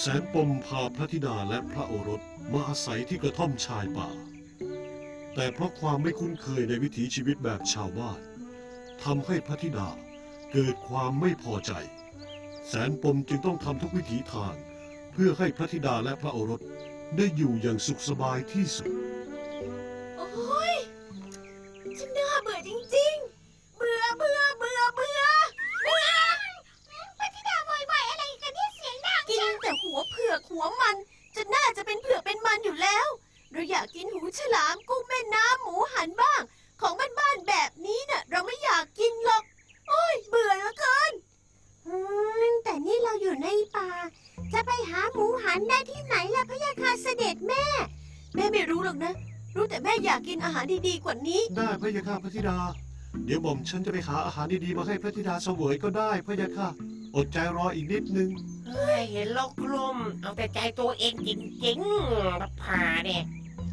แสนปมพาพระธิดาและพระโอรสมาอาศัยที่กระท่อมชายป่าแต่เพราะความไม่คุ้นเคยในวิถีชีวิตแบบชาวบ้านทำให้พระธิดาเกิดความไม่พอใจแสนปมจึงต้องทำทุกวิถีทางเพื่อให้พระธิดาและพระโอรสได้อยู่อย่างสุขสบายที่สุดโอ้ยฉันน่าเบื่อจริงๆ เบื่อเบื่อเบื่อเบื่อเบื่อพระธิดาบ่อยๆอะไรกันเนี่ยเสียงดังกินแต่หัวเผือกหัวมันจนน่าจะเป็นเผือกเป็นมันอยู่แล้วเราอยากกินหูฉลามกุ้งแม่น้ำหมูหันบ้างของบ้านๆแบบนี้น่ะเราไม่อยากกินหรอกโอ้ยเบื่อเหลือเกินแต่นี่เราอยู่ในป่าจะไปหาหมูหันได้ที่ไหนล่ะพะยาค่ะเสด็จแม่ไม่รู้หรอกนะรู้แต่แม่อยากกินอาหารดีๆกว่านี้ได้พระยาค่ะพระธิดาเดี๋ยวหม่อมฉันจะไปหาอาหารดีๆมาให้พระธิดาเสวยก็ได้พระยาค่ะอดใจรออีกนิดนึงเห็นโลกกลุ่มเอาแต่ใจตัวเองจริงๆรับผ่าเนี่ย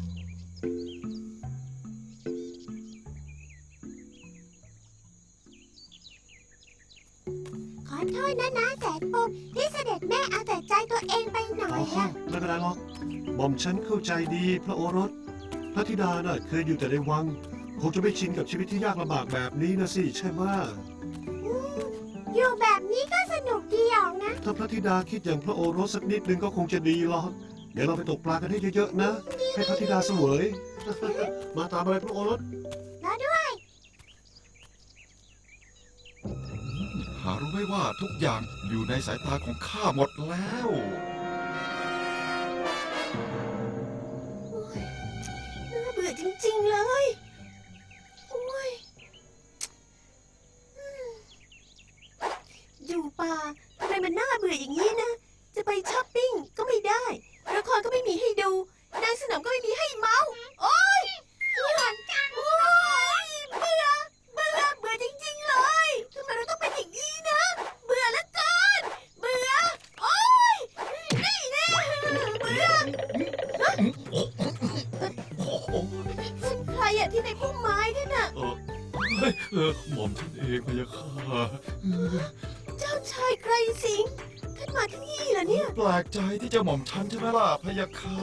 ขอโทษนะแสนปมที่เสด็จแม่เอาแต่ใจตัวเองไปหน่อยไม่เป็นไรหรอกหม่อมฉันเข้าใจดีพระโอรสพระธิดาน่ะเคยอยู่แต่ในวังคงจะไม่ชินกับชีวิตที่ยากลำบากแบบนี้นะสิใช่ไหมอยู่แบบนี้ก็สนุกดีออกนะถ้าพระธิดาคิดอย่างพระโอรสสักนิดนึงก็คงจะดีหรอกเดี๋ยวเราไปตกปลากันให้เยอะๆนะให้พระธิดาเสวยมาตามอะไรพระโอรสรอด้วยหารู้ไหมว่าทุกอย่างอยู่ในสายตาของข้าหมดแล้วน่าเบื่อจริงๆเลยโอ้ยอยู่ป่าทำไมมันน่าเบื่ออย่างนี้นะจะไปช้อปปิ้งก็ไม่ได้ละครก็ไม่มีให้ดูนางสนมก็ไม่มีให้เมาโอ้ยเบื่อจังโอ้ยเบื่อจริงๆเลยทำไมเราต้องเป็นอย่างนี้นะเบื่อแล้วเกินเบื่อโอ้ยนี่แน่เบื่อฉันใครอะที่ในพุ่มไม้นั่นน่ะหม่อมท่านเองพะยะค่ะเจ้าชายไกรสิงห์ท่านมาที่นี่เหรอเนี่ยแปลกใจที่จะหม่อมฉันใช่ไหมล่ะพะยะค่ะ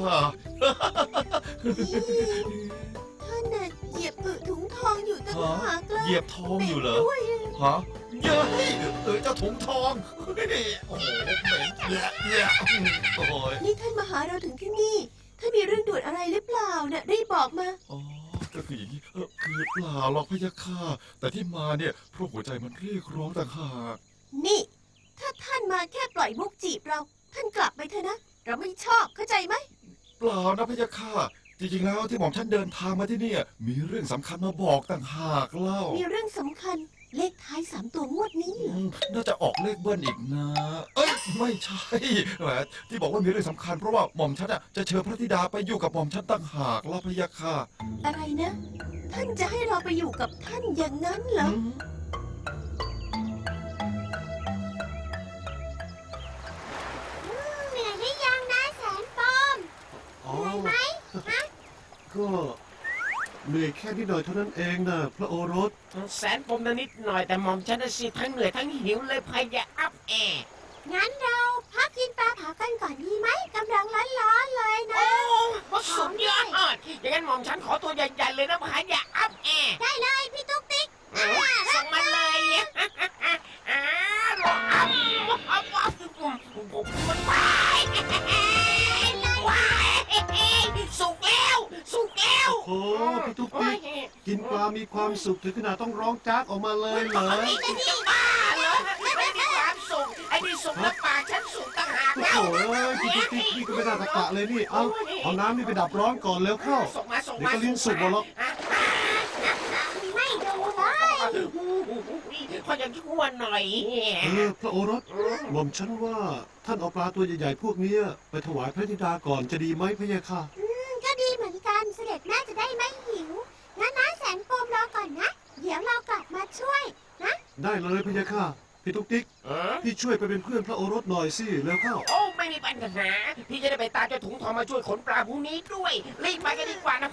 ท่านน่ะเหยียบถุงทองอยู่ตั้งหากเลยเหยียบทองอยู่เหรอฮะเย้ยเจ้าถุงทองโอ้โหเหม็นเยอะโอ้ยนี่ท่านมาหาเราถึงที่นี่ท่านมีเรื่องด่วนอะไรหรือเปล่าเนี่ยรีบบอกมาอ๋อก็คืออย่างนี้คือเปล่าหรอกพะยะค่ะแต่ที่มาเนี่ยเพราะหัวใจมันเรียกร้องต่างหากนี่ถ้าท่านมาแค่ปล่อยมุกจีบเราท่านกลับไปเถอะนะเราไม่ชอบเข้าใจไหมเปล่านะพะยะค่ะจริงๆแล้วที่หม่อมฉันเดินทางมาที่นี่มีเรื่องสำคัญมาบอกต่างหากเล่ามีเรื่องสำคัญเลขท้าย3 ตัวงวดนี้น่าจะออกเลขเบิ้ลอีกนะเอ้ยไม่ใช่แหมที่บอกว่ามีเรื่องสำคัญเพราะว่าหม่อมฉันจะเชิญพระธิดาไปอยู่กับหม่อมฉันต่างหากเล่าพะยะค่ะอะไรนะท่านจะให้เราไปอยู่กับท่านอย่างนั้นเหรอเหนื่อยหรือยังนะแสนปมเหนื่อยไหมฮะก็เหนื่อยแค่นิดหน่อยเท่านั้นเองนะพระโอรสแสนปมนิดหน่อยแต่หม่อมฉันสิทั้งเหนื่อยทั้งหิวเลยพะยะอัพงั้นเราพักกินปลาเผากันก่อนดีไหมกำลังร้อนๆเลยนะโอ้สุดยอดอย่างนั้นหม่อมฉันขอตัวใหญ่ๆเลยนะพะยะอัพได้เลยพี่ตุ๊กติ๊กส่งมาเลยมันไปสุกแล้วโอ้พี่ตุ๊กติ๊กกินปลามีความสุขถึงขนาดต้องร้องจากออกมาเลยเหรอจะบ้าเหรอไม่มีความสุขไอ้นี่สุกแล้วปากฉันสุกต่างหากแล้วโอ้ยพี่ตุ๊กติ๊กนี่ก็ไม่น่าตะกะเลยนี่เอาน้ำนี่ไปดับร้อนก่อนแล้วเข้าเดี๋ยวก็ลิ้นสุกหมดหรอกไม่ดูเลยขออย่างชั่วหน่อยพระโอรสหม่อมฉันว่าท่านเอาปลาตัวใหญ่ๆพวกนี้ไปถวายพระธิดาก่อนจะดีไหมพะยะค่ะก็ดีเหมือนกันเสด็จแม่จะได้ไม่หิวงั้นนะแสนปมรอก่อนนะเดี๋ยวเรากลับมาช่วยนะได้เลยพะยะค่ะพี่ตุ๊กติ๊กพี่ช่วยไปเป็นเพื่อนพระโอรสหน่อยสิแล้วเข้าโอ้ไม่มีปัญหาพี่จะได้ไปตามเจ้าถุงทองมาช่วยขนปลาพวกนี้ด้วยรีบไปกันดีกว่านะ